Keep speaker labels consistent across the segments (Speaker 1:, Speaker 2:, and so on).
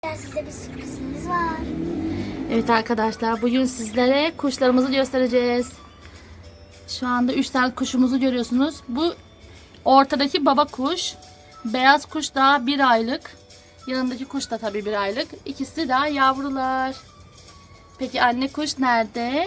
Speaker 1: Size bir sürprizimiz var.
Speaker 2: Evet arkadaşlar, bugün sizlere kuşlarımızı göstereceğiz. Şu anda 3 tane kuşumuzu görüyorsunuz. Bu ortadaki baba kuş. Beyaz kuş daha 1 aylık. Yanındaki kuş da tabii 1 aylık. İkisi daha yavrular. Peki anne kuş nerede?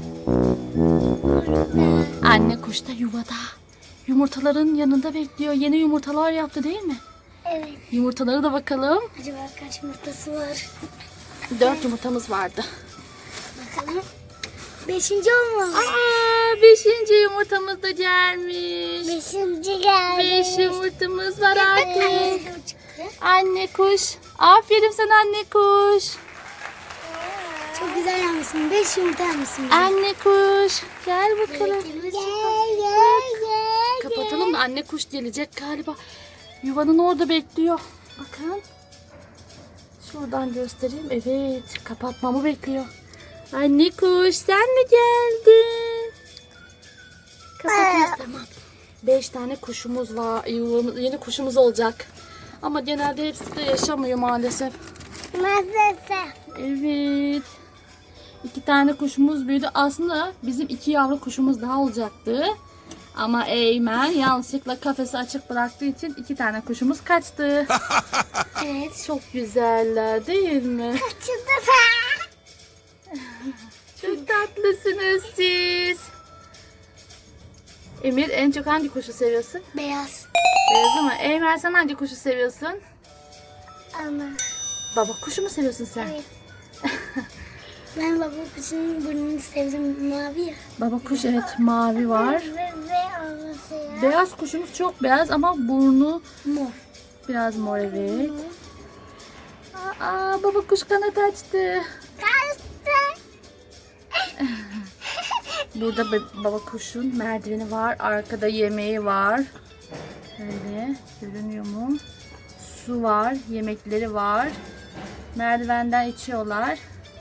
Speaker 2: Anne kuş da yuvada. Yumurtaların yanında bekliyor. Yeni yumurtalar yaptı değil mi?
Speaker 1: Evet.
Speaker 2: Yumurtaları da bakalım.
Speaker 1: Acaba kaç yumurtası var?
Speaker 2: 4 yumurtamız vardı.
Speaker 1: Bakalım. 5. olmalı.
Speaker 2: Aa, 5. yumurtamız da gelmiş.
Speaker 1: 5. geldi.
Speaker 2: 5 yumurtamız var artık.
Speaker 1: Annesi de çıktı.
Speaker 2: Anne kuş. Aferin sana anne kuş.
Speaker 1: Çok güzel yapmışsın. 5 yumurta yapmışsın.
Speaker 2: Anne kuş. Gel bakalım.
Speaker 1: Gel.
Speaker 2: Kapatalım da anne kuş gelecek galiba. Yuvanın orada bekliyor. Bakın. Şuradan göstereyim. Evet. Kapatmamı bekliyor. Anne kuş sen mi geldin? Kapatıyoruz tamam. 5 tane kuşumuz var. Yeni kuşumuz olacak. Ama genelde hepsi de yaşamıyor maalesef.
Speaker 1: Maalesef.
Speaker 2: Evet. 2 tane kuşumuz büyüdü. Aslında bizim 2 yavru kuşumuz daha olacaktı. Ama Eymen yanlışlıkla kafesi açık bıraktığı için 2 tane kuşumuz kaçtı.
Speaker 1: Evet.
Speaker 2: Çok güzeller değil mi?
Speaker 1: Kaçırdı.
Speaker 2: Çok tatlısınız siz. Emir en çok hangi kuşu seviyorsun?
Speaker 1: Beyaz.
Speaker 2: Beyaz ama Eymen sen hangi kuşu seviyorsun?
Speaker 1: Ana.
Speaker 2: Baba kuşu mu seviyorsun sen?
Speaker 1: Evet. Ben baba kuşunun burnunu sevdim. Mavi ya.
Speaker 2: Baba kuş evet mavi var.
Speaker 1: Ve anası ya.
Speaker 2: Beyaz kuşumuz çok beyaz ama burnu
Speaker 1: Mor.
Speaker 2: biraz mor evet. Aa baba kuş kanat açtı.
Speaker 1: Kaçtı.
Speaker 2: Burada baba kuşun merdiveni var. Arkada yemeği var. Böyle görünüyor mu? Su var. Yemekleri var. Merdivenden içiyorlar.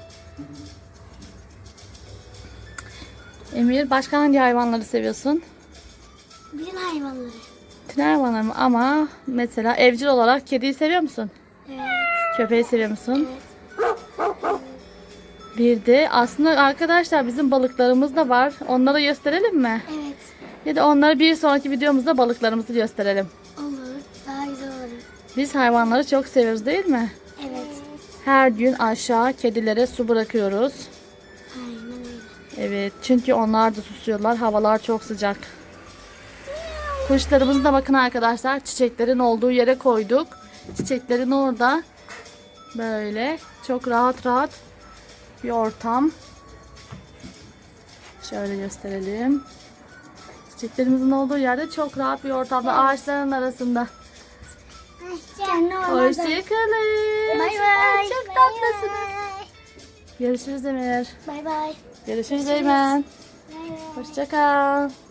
Speaker 2: Emir başka hangi hayvanları seviyorsun?
Speaker 1: Bütün hayvanları.
Speaker 2: Bütün hayvanları mı? Ama mesela evcil olarak kediyi seviyor musun?
Speaker 1: Evet.
Speaker 2: Köpeği seviyor musun?
Speaker 1: Evet.
Speaker 2: Bir de aslında arkadaşlar bizim balıklarımız da var. Onları gösterelim mi?
Speaker 1: Evet.
Speaker 2: Ya da onları bir sonraki videomuzda balıklarımızı gösterelim.
Speaker 1: Olur. Daha güzel olur.
Speaker 2: Biz hayvanları çok seviyoruz değil mi?
Speaker 1: Evet.
Speaker 2: Her gün aşağı kedilere su bırakıyoruz.
Speaker 1: Aynen öyle.
Speaker 2: Evet çünkü onlar da susuyorlar. Havalar çok sıcak. Kuşlarımızı da bakın arkadaşlar. Çiçeklerin olduğu yere koyduk. Çiçeklerin orada böyle çok rahat rahat bir ortam. Şöyle gösterelim. Çiçeklerimizin olduğu yerde çok rahat bir ortamda ağaçların arasında. Hoşçakalın.
Speaker 1: Bay bay.
Speaker 2: Çok tatlısınız. Görüşürüz Emir.
Speaker 1: Bay bay.
Speaker 2: Görüşürüz Eymen.
Speaker 1: Bay bay.
Speaker 2: Hoşçakal.